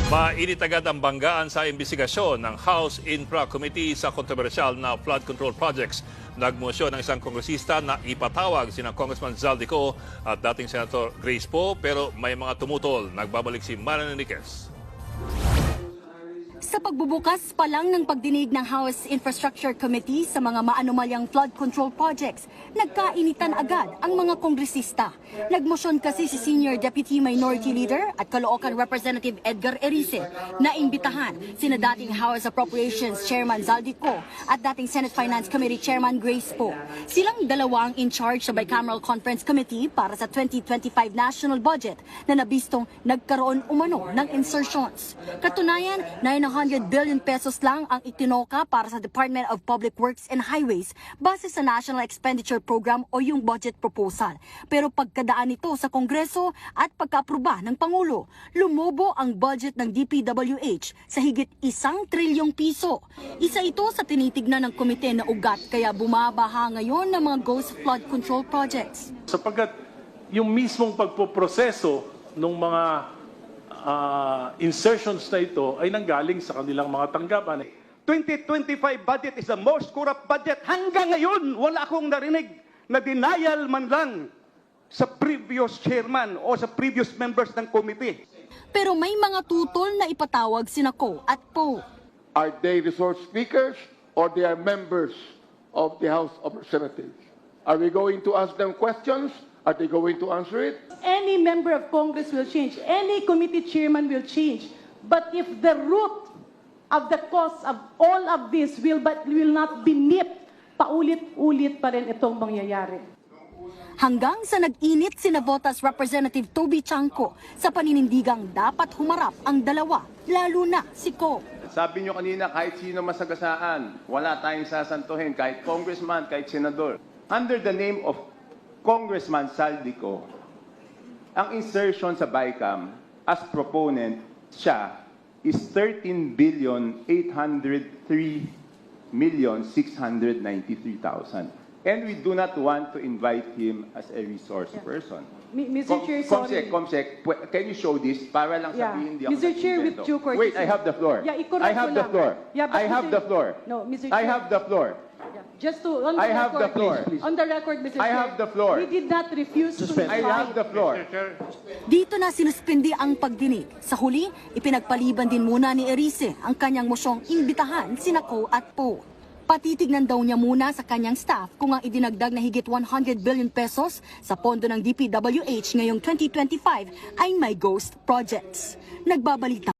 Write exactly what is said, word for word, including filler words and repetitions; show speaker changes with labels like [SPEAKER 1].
[SPEAKER 1] Mainit agad ang banggaan sa imbestigasyon ng House Infra Committee sa kontrobersyal na flood control projects. Nagmosyon ng isang kongresista na ipatawag sina Congressman Zaldico at dating Senator Grace Poe, pero may mga tumutol. Nagbabalik si Maran Enriquez.
[SPEAKER 2] Sa pagbubukas pa lang ng pagdinig ng House Infrastructure Committee sa mga maanomalyang flood control projects, nagkainitan agad ang mga kongresista. Nagmosyon kasi si Senior Deputy Minority Leader at Caloocan Representative Edgar Erice na imbitahan sina dating House Appropriations Chairman Zaldico at dating Senate Finance Committee Chairman Grace Poe. Silang dalawa ang in charge sa Bicameral Conference Committee para sa twenty twenty-five national budget na nabistong nagkaroon umano ng insertions. Katunayan, nine hundred billion pesos lang ang itinoka para sa Department of Public Works and Highways base sa National Expenditure Program o yung budget proposal. Pero pagkadaan nito sa Kongreso at pagkaaproba ng Pangulo, lumobo ang budget ng D P W H sa higit isang trilyong piso. Isa ito sa tinitignan ng komite na ugat kaya bumabaha ngayon ng mga ghost flood control projects.
[SPEAKER 3] Sapagkat yung mismong pagpoproseso ng mga Uh, insertions na ito ay nanggaling sa kanilang mga tanggapan.
[SPEAKER 4] twenty twenty-five budget is the most corrupt budget. Hanggang ngayon, wala akong narinig na denial man lang sa previous chairman o sa previous members ng committee.
[SPEAKER 2] Pero may mga tutol na ipatawag sina Ko at Poe.
[SPEAKER 5] Are they resource speakers or they are members of the House of Representatives? Are we going to ask them questions? Are they going to answer it?
[SPEAKER 6] Any member of Congress will change. Any committee chairman will change. But if the root of the cause of all of this will, but will not be nipped, paulit-ulit pa rin itong mangyayari.
[SPEAKER 2] Hanggang sa nag-init sina Botas Representative Toby Chanco sa paninindigang dapat humarap ang dalawa, lalo na si Ko.
[SPEAKER 7] Sabi nyo kanina, kahit sino masagasaan, wala tayong sasantuhin, kahit congressman, kahit senador. Under the name of Congressman Zaldico, ang insertion sa BICAM as proponent siya is thirteen billion eight hundred three million six hundred ninety-three thousand. And we do not want to invite him as a resource yeah. person.
[SPEAKER 6] Mister
[SPEAKER 7] Com
[SPEAKER 6] Chair,
[SPEAKER 7] Comsec,
[SPEAKER 6] sorry.
[SPEAKER 7] Comsec, can you show this para lang
[SPEAKER 6] Yeah.
[SPEAKER 7] sabihin hindi ako
[SPEAKER 6] Mister Chair, with
[SPEAKER 7] nag-invento?
[SPEAKER 6] due courtesy.
[SPEAKER 7] Wait, I have the floor.
[SPEAKER 6] Yeah,
[SPEAKER 7] I have the floor.
[SPEAKER 6] Yeah, but
[SPEAKER 7] I have
[SPEAKER 6] Mister
[SPEAKER 7] the floor.
[SPEAKER 6] No, Mister
[SPEAKER 7] I
[SPEAKER 6] Chair.
[SPEAKER 7] have the floor.
[SPEAKER 6] Yeah. Just to, on the
[SPEAKER 7] I have
[SPEAKER 6] record,
[SPEAKER 7] the floor.
[SPEAKER 6] please, on the record, Mister
[SPEAKER 7] I
[SPEAKER 6] Chair,
[SPEAKER 7] have the floor.
[SPEAKER 6] we did not refuse to
[SPEAKER 7] I have the floor.
[SPEAKER 2] Dito na sinuspindi ang pagdinig. Sa huli, ipinagpaliban din muna ni Erice ang kanyang mosyong imbitahan sina Ko at Poe. Patitignan daw niya muna sa kanyang staff kung ang idinagdag na higit one hundred billion pesos sa pondo ng D P W H ngayong twenty twenty-five ay may ghost projects. Nagbabalita